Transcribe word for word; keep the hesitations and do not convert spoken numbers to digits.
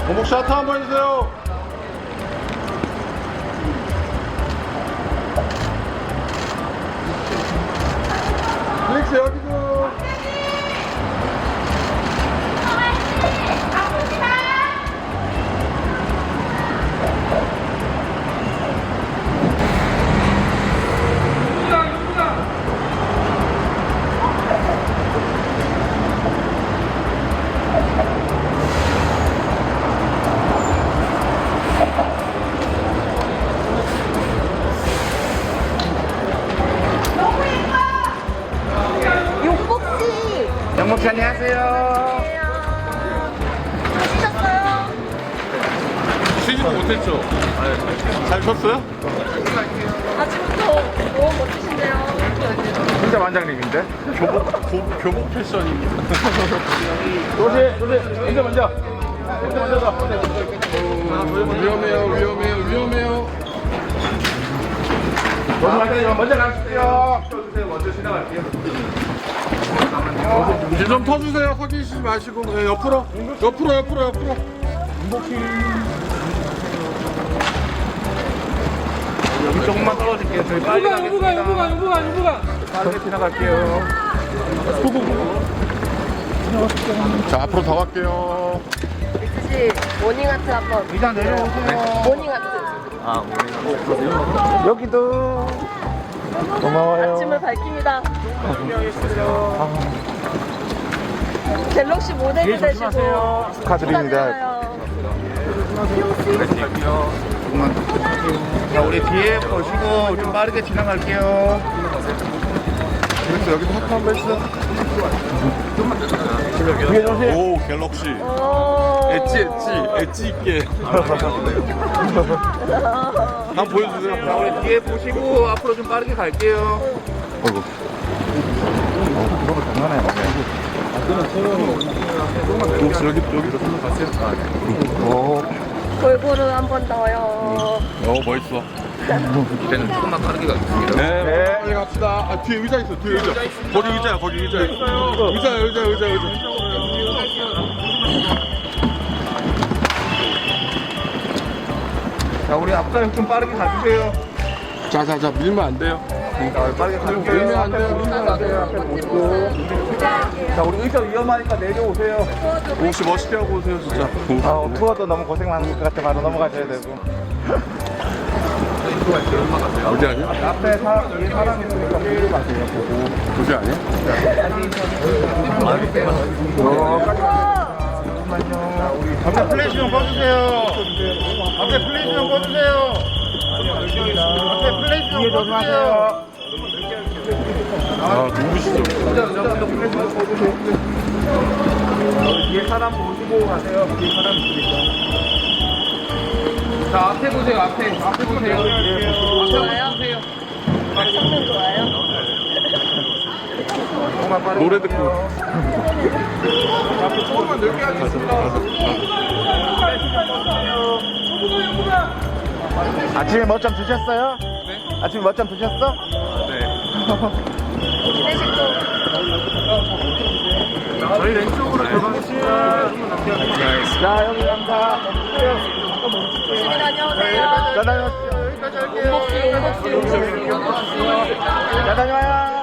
어묵 샤트 한번 해주세요. 플렉스 여기도. 영목씨 안녕하세요. 쉬셨어요? 쉬지도 못했죠? 잘 쉬었어요? 아침부터 너무 멋지신데요. 진짜 완장님인데? 교복, 교, 교복 패션입니다. 조심, 조심. 먼저, 먼저. 먼저, 먼저 가. 위험해요, 위험해요, 위험해요. 조심하세요. 먼저 가십시오. 먼저 지나갈게요. 이제 좀 터주세요. 서 계시지 마시고. 네, 옆으로. 옆으로, 옆으로, 옆으로. 여기 조금만 떨어질게요. 저희 빨리 여부가 여부가 여부가 여부가 여부가 빠르게 지나갈게요. 자, 앞으로 더 갈게요. 씨 모닝아트 한번. 이장 내려오세요. 모닝아트. 여기도. 고마워요. 아침을 밝힙니다. 갤럭시 모델이 되시고 축하드립니다. 자, 우리 뒤에 보시고 좀 빠르게 지나갈게요. 그래서 여기도 하트 한번 했어. 뒤에 조심. 오, 갤럭시. 오. 엣지, 엣지, 엣지 있게. 한번 보여주세요. 자, 우리 뒤에 보시고 앞으로 좀 빠르게 갈게요. 어이구. 그런 거 장난해. 혹시 여기, 여기도 한번 갔어요? 아, 네. 오. 골고루 한 번 더요. 어, 멋있어. 이제는 조금만 빠르게 가겠습니다. 네, 네, 빨리 갑시다. 아, 뒤에 의자 있어, 뒤에 의자. 거기 의자야, 거기 의자. 의자, 의자, 의자, 의자. 자, 우리 앞사람 좀 빠르게 가주세요. 자, 자, 자, 밀면 안 돼요. 자, 빠르게 가주세요. 밀면 안 돼요, 앞에 밀면 안 돼요. 앞에 보시고. 자, 우리 의자 위험하니까 내려오세요. 혹시 멋있게 하고 오세요, 진짜. 아, 투어도 너무 고생 많을 것 같아. 바로 넘어가셔야 되고. 어디 아니야? 앞에 사, 위에 사람 있으니까 뒤로 가세요. 보고. 어디 아니야? 잠깐만요. 우리 앞에 플래시 좀 꺼주세요. 앞에 플래시 좀 꺼주세요. 앞에 플래시 좀 꺼주세요. 아, 누구시죠? 뒤에 사람 보시고 가세요. 뒤에 사람 있으니까. 자, 앞에 보세요. 앞에. 앞에 보세요. 좋아요? 성능 좋아요? 정말 빠르게. 노래 듣고. 앞에 조금만 넓게 하겠습니다. 아침에 멋점 드셨어요? 네. 아침에 멋점 드셨어? 기내식도. 저희 왼쪽으로 들어가겠습니다. 자, 여기 갑니다. 조심히 다녀오세요. 자, 다녀오십시오. 여기까지 할게요. 용복씨, 용복씨, 용복씨, 용복씨. 자, 다녀와요.